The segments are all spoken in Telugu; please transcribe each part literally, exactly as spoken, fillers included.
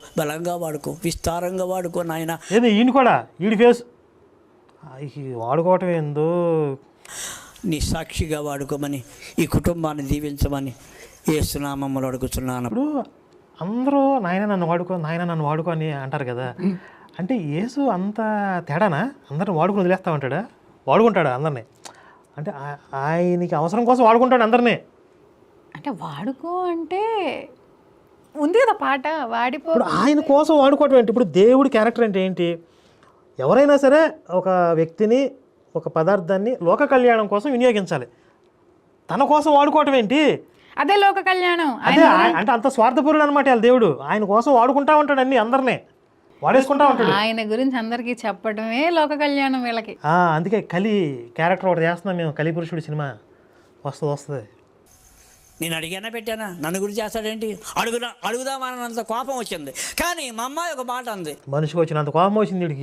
బలంగా వాడుకో, విస్తారంగా వాడుకో నాయన. ఏది ఈయన కూడా ఈడి ఫేస్ వాడుకోవటం ఏందో, నీ సాక్షిగా వాడుకోమని, ఈ కుటుంబాన్ని దీవించమని యేసునామములో అడుగుతున్నాను. ఇప్పుడు అందరూ నాయన నన్ను వాడుకో నాయన నన్ను వాడుకో అని అంటారు కదా, అంటే యేసు అంత తేడానా? అందరిని వాడుకుని వదిలేస్తా ఉంటాడా? వాడుకుంటాడా అందరినీ? అంటే ఆయనకి అవసరం కోసం వాడుకుంటాడు అందరినీ. అంటే వాడుకో అంటే ఉంది కదా పాట, వాడిపో. ఇప్పుడు ఆయన కోసం వాడుకోవటం ఏంటి? ఇప్పుడు దేవుడి క్యారెక్టర్ అంటే ఏంటి? ఎవరైనా సరే ఒక వ్యక్తిని, ఒక పదార్థాన్ని లోక కళ్యాణం కోసం వినియోగించాలి. తన కోసం వాడుకోవటం ఏంటి? అదే లోక కళ్యాణం. అదే అంటే అంత స్వార్థపరుడు అనమాట వాళ్ళ దేవుడు. ఆయన కోసం వాడుకుంటా ఉంటాడు, అన్ని అందరినీ వాడేసుకుంటా ఉంటాడు. ఆయన గురించి అందరికీ చెప్పడమే లోక కళ్యాణం వీళ్ళకి. అందుకే కలి క్యారెక్టర్ ఒకటి చేస్తున్నాం మేము, కలి పురుషుడు సినిమా వస్తుంది వస్తుంది నేను అడిగానా పెట్టానా? నన్ను గురించి చేస్తాడేంటి? అడుగుదా అడుగుదామన్నంత కోపం వచ్చింది. కానీ మా అమ్మాయి ఒక మాట అంది, మనిషికి వచ్చినంత కోపం వచ్చింది వీడికి.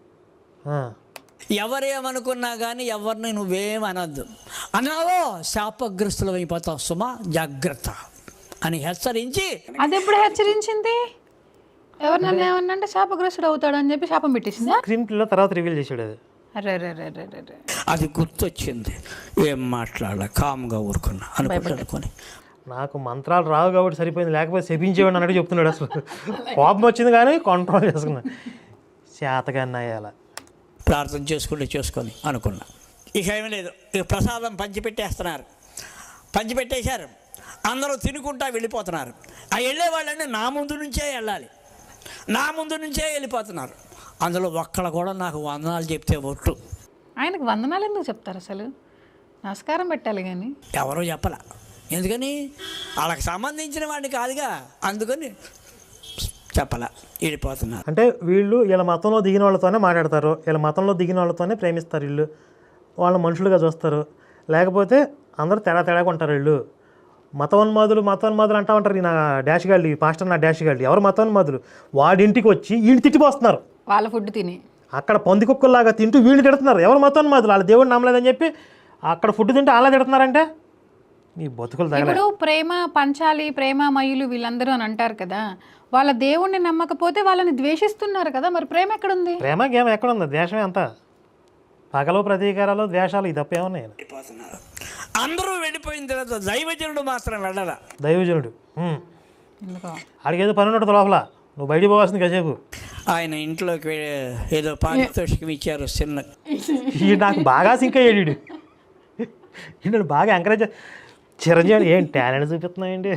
ఎవరేమనుకున్నా కానీ ఎవరిని నువ్వేమనద్దు, అన్నావో శాపగ్రస్తులు అయిపోతావు సుమా, జాగ్రత్త అని హెచ్చరించి. అది ఎప్పుడు హెచ్చరించింది? ఎవరు నన్ను ఏమన్నా అంటే శాపగ్రస్తుడు అవుతాడు అని చెప్పి శాపం పెట్టేసిందా? స్క్రీన్ ప్లేలో తర్వాత రివీల్ చేసాడు అది. అరే రే రే రే రే అది గుర్తొచ్చింది, ఏం మాట్లాడాల, కామ్గా ఊరుకున్నా అనుకుంటుకొని. నాకు మంత్రాలు రావు కాబట్టి సరిపోయింది, లేకపోతే శపించేవాడు అన్నట్టు చెప్తున్నాడు. అసలు కోపం వచ్చింది కానీ కంట్రోల్ చేసుకున్నా, చేతగాన్ని అయ్యాల ప్రార్థన చేసుకుంటే చేసుకొని అనుకున్నా. ఇక ఏమీ లేదు, ఇక ప్రసాదం పంచిపెట్టేస్తున్నారు. పంచిపెట్టేశారు, అందరూ తినుకుంటా వెళ్ళిపోతున్నారు. ఆ వెళ్ళే వాళ్ళని నా ముందు నుంచే వెళ్ళాలి, నా ముందు నుంచే వెళ్ళిపోతున్నారు. అందులో ఒక్కడ కూడా నాకు వందనాలు చెప్తే ఒట్టు. ఆయనకు వందనాలు ఎందుకు చెప్తారు అసలు? నమస్కారం పెట్టాలి కానీ ఎవరో చెప్పలా. ఎందుకని? వాళ్ళకి సంబంధించిన వాడిని కాదుగా, అందుకని చెప్పలా, వెళ్ళిపోతున్నారు. అంటే వీళ్ళు వీళ్ళ మతంలో దిగిన వాళ్ళతోనే మాట్లాడతారు, వీళ్ళ మతంలో దిగిన వాళ్ళతోనే ప్రేమిస్తారు, వీళ్ళు వాళ్ళ మనుషులుగా చూస్తారు. లేకపోతే అందరూ తేడా తేడాగా ఉంటారు. వీళ్ళు మతోన్మాదులు మతోన్మాదులు అంటా ఉంటారు. నా డాష్ గాళ్ళు, ఈ పాస్టర్ నా డాష్ గాళ్ళు ఎవరు మతోన్మాదులు? వాడింటికి వచ్చి వీళ్ళు తిట్టిపోస్తున్నారు, వాళ్ళ ఫుడ్ తిని అక్కడ పంది కుక్కల్లాగా తింటూ వీళ్ళు తిడుతున్నారు. ఎవరు మతోన్మాదులు? వాళ్ళ దేవుడు నమ్మలేదని చెప్పి అక్కడ ఫుడ్ తింటూ అలా తిడుతున్నారంటే నీ బతుకులు తగలే. ఇప్పుడు ప్రేమ పంచాలి, ప్రేమ మయులు వీళ్ళందరూ అని అంటారు కదా, వాళ్ళ దేవుణ్ణి నమ్మకపోతే వాళ్ళని ద్వేషిస్తున్నారు కదా, మరి ప్రేమ ఎక్కడుంది? ప్రేమ గేమ ఎక్కడుంది? ద్వేషమే అంతా, పగలు ప్రతీకారాలు ద్వేషాలు, ఇది తప్పేమున్నాయి? అందరూ వెళ్ళిపోయిన తర్వాత దైవజనుడు మాత్రం వెళ్ళాల. దైవజనుడు ఆడికేదో పని ఉన్నట్టు లోపల, నువ్వు బయటికి పోవాల్సింది కాసేపు. ఆయన ఇంట్లోకి ఏదో పారితోషికం ఇచ్చారు చిన్న. ఈ నాకు బాగా సింక్ అయ్యాడు, ఈయన బాగా ఎంకరేజ్. చిరంజీవి ఏం టాలెంట్ చూపిస్తున్నాయండి,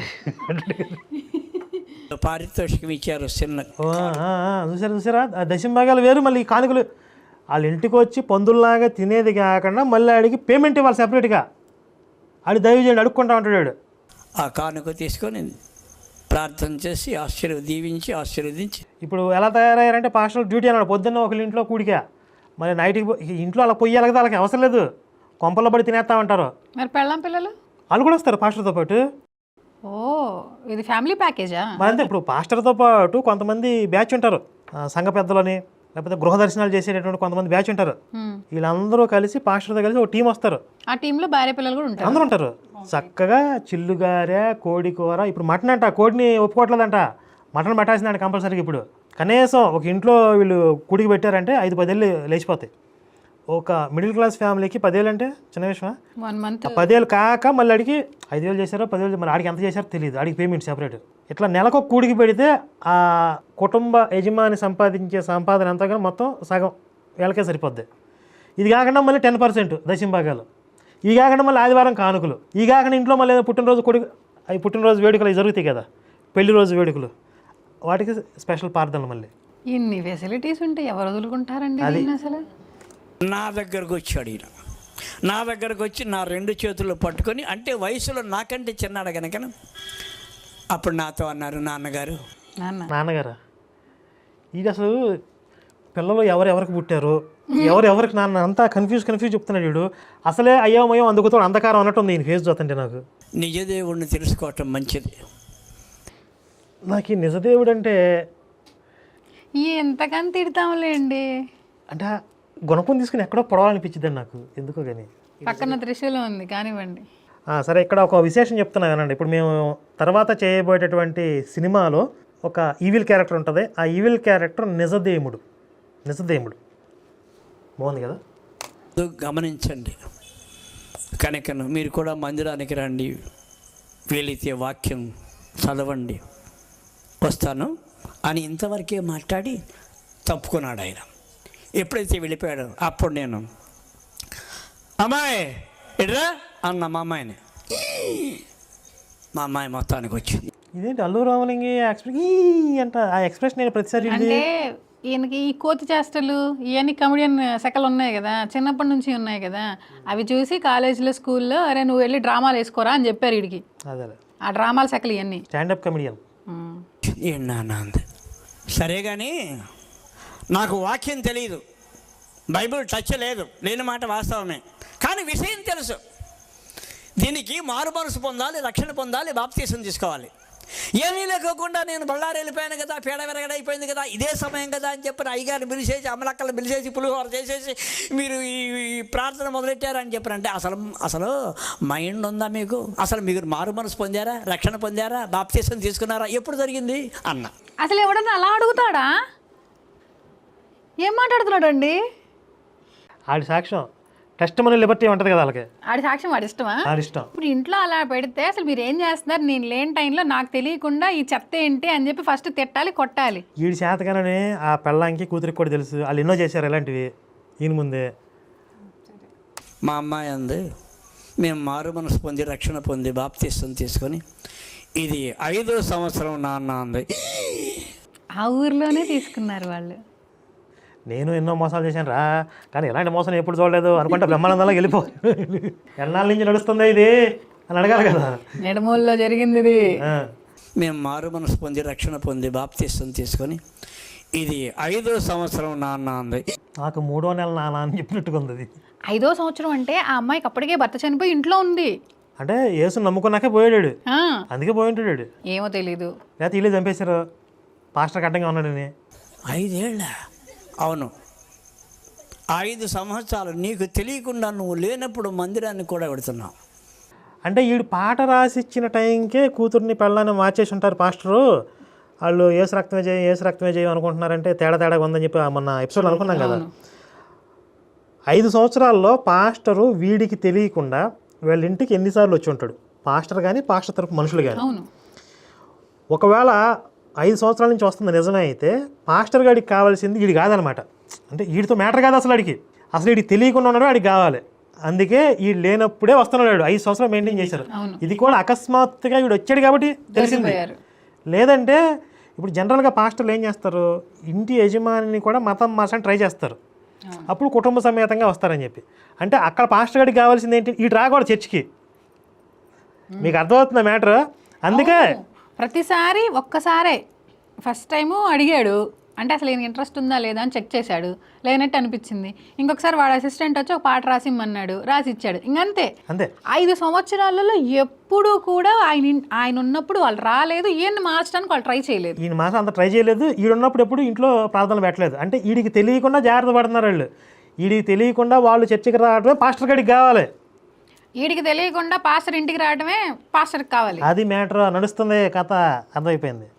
పారితోషికం ఇచ్చారు చిన్న. చూసారా చూసారా దశంభాగాలు వేరు. మళ్ళీ కానుకలు వాళ్ళ ఇంటికి వచ్చి పందుల్లాగా తినేది కాకుండా మళ్ళీ ఆడికి పేమెంట్ ఇవ్వాలి సెపరేట్గా. ఆడి దైవజనుడు అడుక్కుంటా ఉంటాడు. ఆ కానుక తీసుకొని ప్రార్థన చేసి ఆశీర్వ దీవించి ఆశీర్వదించి. ఇప్పుడు ఎలా తయారయ్యారంటే పాస్టర్ డ్యూటీ అన్నాడు, పొద్దున్న ఒకళ్ళ ఇంట్లో కూడికా, మరి నైట్కి ఇంట్లో అలా పొయ్యాలి కదా, వాళ్ళకి అవసరం లేదు, కొంపల్లో పడి తినేస్తామంటారు. మరి పెళ్ళాం పిల్లలు వాళ్ళు కూడా వస్తారు పాస్టర్తో పాటు. ఓ ఇది ఫ్యామిలీ ప్యాకేజా? మరి అంతే. ఇప్పుడు పాస్టర్తో పాటు కొంతమంది బ్యాచ్ ఉంటారు, సంఘ పెద్దలని లేకపోతే గృహ దర్శనాలు చేసేటటువంటి కొంతమంది బ్యాచ్ ఉంటారు. వీళ్ళందరూ కలిసి పాస్టర్తో కలిసి ఒక టీం వస్తారు. ఆ టీంలో భార్య పిల్లలు కూడా ఉంటారు, అందరూ ఉంటారు. చక్కగా చిల్లుగారే, కోడి కూర. ఇప్పుడు మటన్ అంట, కోడిని ఒప్పుకోవట్లేదంట, మటన్ పెట్టాల్సిందంట కంపల్సరీగా. ఇప్పుడు కనీసం ఒక ఇంట్లో వీళ్ళు కుడికి పెట్టారంటే ఐదు పదేళ్ళు లేచిపోతాయి. ఒక మిడిల్ క్లాస్ ఫ్యామిలీకి పదేళ్ళు అంటే చిన్న విషయమా? వన్ మంత్ పదేళ్ళు కాక మళ్ళీ అడిగి ఐదు వేలు చేశారో పదివేలు, మరి ఆడికి ఎంత చేశారో తెలియదు, ఆడికి పేమెంట్ సెపరేట్. ఇట్లా నెలకు ఒక కూడికి పెడితే ఆ కుటుంబ యజమాని సంపాదించే సంపాదన అంతా కానీ మొత్తం సగం వీళ్ళకే సరిపోద్ది. ఇది కాకుండా మళ్ళీ టెన్ పర్సెంట్ దశంభాగాలు, ఇవి కాకుండా మళ్ళీ ఆదివారం కానుకలు, ఇవి కాకుండా ఇంట్లో మళ్ళీ పుట్టినరోజు కొడుకు అవి పుట్టినరోజు వేడుకలు అవి జరుగుతాయి కదా, పెళ్లి రోజు వేడుకలు, వాటికి స్పెషల్ ప్రార్థనలు. మళ్ళీ ఇన్ని ఫెసిలిటీస్ ఉంటే ఎవరు వదులుకుంటారండి అసలు? నా దగ్గరకు వచ్చాడు ఈయన, నా దగ్గరకు వచ్చి నా రెండు చేతులు పట్టుకొని, అంటే వయసులో నాకంటే చిన్నాడు కనుక అప్పుడు నాతో అన్నారు, నాన్నగారు నాన్నగారు ఇది అసలు పిల్లలు ఎవరెవరికి పుట్టారు, ఎవరు ఎవరికి నాన్న అంతా కన్ఫ్యూజ్ కన్ఫ్యూజ్ చెప్తున్నాడు వీడు. అసలే అయోమయం అందుకుతో అంధకారం అన్నట్టుంది ఈయన ఫేస్ చూస్తుంటే. నాకు నిజదేవుడిని తెలుసుకోవటం మంచిది. నాకు ఈ నిజదేవుడు అంటే ఎంతకని తిడతాంలేండి, అంటే గుణపం తీసుకుని ఎక్కడో పొడవాలనిపించింది నాకు ఎందుకో కానీ. పక్కన త్రిశూలం ఉంది కానివ్వండి. సరే, ఇక్కడ ఒక విశేషం చెప్తున్నా కానండి. ఇప్పుడు మేము తర్వాత చేయబోయేటటువంటి సినిమాలో ఒక ఈవిల్ క్యారెక్టర్ ఉంటుంది. ఆ ఈవిల్ క్యారెక్టర్ నిజదేముడు. నిజదేముడు బాగుంది కదా. గమనించండి. కనుకను మీరు కూడా మందిరానికి రండి, వీలైతే వాక్యం చదవండి, వస్తాను అని ఇంతవరకే మాట్లాడి తప్పుకున్నాడు ఆయన. ఎప్పుడైతే వెళ్ళిపోయాడో అప్పుడు నేను అమ్మాయి ఎడ్రా అన్న మా అమ్మాయిని. మా అమ్మాయి మొత్తానికి వచ్చింది. ఇదేంటి అల్లు రామలింగి ఎక్స్ప్రెస్ అంట. ఆ ఎక్స్ప్రెషన్ నేను ప్రతిసారి అంటే ఈయనకి ఈ కోతి చేష్టలు ఇవన్నీ కమెడియన్ సెకలు ఉన్నాయి కదా, చిన్నప్పటి నుంచి ఉన్నాయి కదా, అవి చూసి కాలేజీలో స్కూల్లో అరే నువ్వు వెళ్ళి డ్రామాలు వేసుకోరా అని చెప్పారు వీడికి. అదే ఆ డ్రామాల సెకలు ఇవన్నీ స్టాండప్ కమెడియన్. ఏంటి సరే కానీ నాకు వాక్యం తెలియదు, బైబిల్ టచ్ లేదు, లేని మాట వాస్తవమే. కానీ విషయం తెలుసు. దీనికి మారు మనసు పొందాలి, రక్షణ పొందాలి, బాప్తీసం తీసుకోవాలి. ఏమీ లేకోకుండా నేను బళ్ళారు వెళ్ళిపోయాను కదా, పేడ విరగడైపోయింది కదా, ఇదే సమయం కదా అని చెప్పిన అయ్యగారిని పిలిచేసి అమలక్కలు పిలిచేసి పులిహోర చేసేసి మీరు ఈ ప్రార్థన మొదలెట్టారని చెప్పారంటే అసలు అసలు మైండ్ ఉందా మీకు? అసలు మీరు మారు మనసు పొందారా, రక్షణ పొందారా, బాప్తీసం తీసుకున్నారా? ఎప్పుడు జరిగింది అన్న. అసలు ఎవడన్నా అలా అడుగుతాడా? ఏం మాట్లాడుతున్నాడు అండి? ఆడి సాక్ష్యం టెస్ట్ మన లిబర్టీ ఉంటుంది కదా వాళ్ళకి. ఆడి సాక్ష్యం వాడి ఇష్టమా? ఆడి ఇష్టం. ఇప్పుడు ఇంట్లో అలా పెడితే అసలు మీరు ఏం చేస్తున్నారు, నేను లేని టైంలో నాకు తెలియకుండా ఈ చెత్త ఏంటి అని చెప్పి ఫస్ట్ తిట్టాలి, కొట్టాలి. వీడి చేతగానే ఆ పెళ్ళాంకి కూతురికి కూడా తెలుసు, వాళ్ళు ఎన్నో చేశారు ఇలాంటివి ఈయన ముందే. మా అమ్మాయి అంది మేము మారు మనసు పొంది రక్షణ పొంది బాప్తీసం తీసుకొని ఇది ఐదో సంవత్సరం నాన్న అంది. ఆ ఊర్లోనే తీసుకున్నారు వాళ్ళు. నేను ఎన్నో మోసాలు చేశాను రా, కానీ ఎలాంటి మోసం ఎప్పుడు చూడలేదు అనుకుంటే బ్రహ్మానందంలో వెళ్ళిపో. ఎన్నాళ్ళ నుంచి నడుస్తుందా ఇది అని అడగాలి కదా. నెడమూలలో జరిగింది ఇది. మేము మారు మనసు పొంది రక్షణ పొంది బాప్తీసం తీసుకొని ఇది ఐదో సంవత్సరం నాన్న అంది. నాకు మూడో నెల నాన్న అని చెప్పినట్టుగా ఉంది అది. ఐదో సంవత్సరం అంటే ఆ అమ్మాయికి అప్పటికే భర్త చనిపోయి ఇంట్లో ఉంది. అంటే యేసు నమ్ముకున్నాకే పోయాడు, అందుకే పోయి ఉంటాడు. ఏమో తెలీదు, లేకపోతే వీళ్ళు చంపేశారు పాస్టర్ అడ్డంగా ఉన్నాడని. ఐదేళ్ళ అవును, ఐదు సంవత్సరాలు నీకు తెలియకుండా నువ్వు లేనప్పుడు మందిరాన్ని కూడా పెడుతున్నావు. అంటే వీడు పాట రాసిచ్చిన టైంకే కూతుర్ని పెళ్ళాన్ని మార్చేసి ఉంటారు పాస్టరు. వాళ్ళు ఏసు రక్తమే చేయం ఏసు రక్తమే చేయం అనుకుంటున్నారంటే తేడా తేడా ఉందని చెప్పి మొన్న ఎపిసోడ్ అనుకున్నాం కదా. ఐదు సంవత్సరాల్లో పాస్టరు వీడికి తెలియకుండా వీళ్ళ ఇంటికి ఎన్నిసార్లు వచ్చి ఉంటాడు పాస్టర్ కానీ పాస్టర్ తరపు మనుషులు కానీ. ఒకవేళ ఐదు సంవత్సరాల నుంచి వస్తుంది నిజమే అయితే పాస్టర్ గాడికి కావాల్సింది వీడి కాదనమాట. అంటే వీడితో మ్యాటర్ కాదు అసలు వాడికి, అసలు వీడికి తెలియకుండా ఉన్నాడు వాడికి కావాలి. అందుకే వీడు లేనప్పుడే వస్తున్నాడు. ఐదు సంవత్సరాలు మెయింటైన్ చేశారు. ఇది కూడా అకస్మాత్తుగా వీడు వచ్చాడు కాబట్టి తెలిసింది. లేదంటే ఇప్పుడు జనరల్గా పాస్టర్లు ఏం చేస్తారు, ఇంటి యజమానిని కూడా మతం మార్చడానికి ట్రై చేస్తారు, అప్పుడు కుటుంబ సమేతంగా వస్తారని చెప్పి. అంటే అక్కడ పాస్టర్ గారికి కావాల్సింది ఏంటి, వీడు రాకూడదు చర్చికి. మీకు అర్థమవుతుందా మ్యాటర్? అందుకే ప్రతిసారి ఒక్కసారే ఫస్ట్ టైము అడిగాడు అంటే అసలు ఈయన ఇంట్రెస్ట్ ఉందా లేదా అని చెక్ చేశాడు, లేనట్టు అనిపించింది. ఇంకొకసారి వాడు అసిస్టెంట్ వచ్చి ఒక పాట రాసిమ్మన్నాడు, రాసి ఇచ్చాడు, ఇంకంతే. అంతే. ఐదు సంవత్సరాలలో ఎప్పుడు కూడా ఆయన ఆయన ఉన్నప్పుడు వాళ్ళు రాలేదు, ఈయన్ని మార్చడానికి వాళ్ళు ట్రై చేయలేదు. ఈయన మాసం అంత ట్రై చేయలేదు. ఈడు ఉన్నప్పుడు ఎప్పుడు ఇంట్లో ప్రార్థనలు పెట్టలేదు. అంటే వీడికి తెలియకుండా జాగ్రత్త పడుతున్నారు వాళ్ళు. వీడికి తెలియకుండా వాళ్ళు చర్చికి రావడమే పాస్టర్ గడికి కావాలి, వీడికి తెలియకుండా పాస్టర్ ఇంటికి రావడమే పాస్టర్కి కావాలి. అది మ్యాటర్. నడుస్తుంది కథ, అర్థమైపోయింది.